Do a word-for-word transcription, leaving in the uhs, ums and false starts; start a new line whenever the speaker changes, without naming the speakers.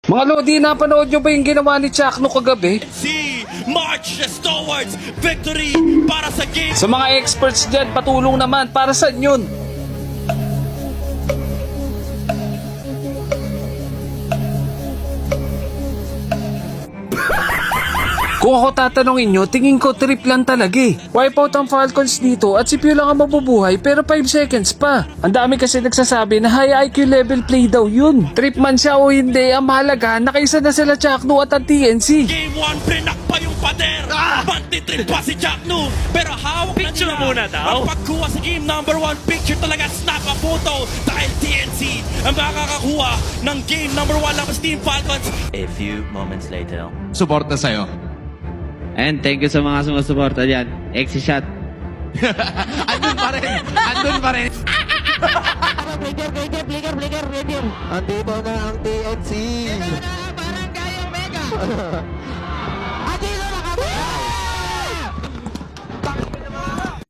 Mga Lodi, napanood nyo ba yung ginawa ni Chakno kagabi?
See, marches towards victory para sa game.
Sa mga experts dyan, patulong naman. Para saan yun? Kung ako tatanungin nyo, tingin ko trip lang talaga eh. Wipeout ang Falcons dito at si Pew lang ang mabubuhay pero five seconds pa. Ang dami kasi nagsasabi na high I Q level play daw yun. Trip man siya o hindi, ang mahalaga nakaisa na sila Chakno at ang T N C.
Game one, prinak pa yung pader. Ah! Bantitrip pa si Chakno. Pero hawak
Picture
na nila.
muna daw.
Ang pagkuha sa game number one, picture talaga, snap a photo. Dahil T N C ang makakakuha ng game number one lang sa Team Falcons.
A few moments later.
Suporta sa'yo.
And thank you sa mga sumusuporta dyan. Exi shot.
Andun pa rin. Andun pa rin.
Flicker, flicker, flicker, flicker, flicker. Andito na ang T N C. Ito na, parang kayong mega.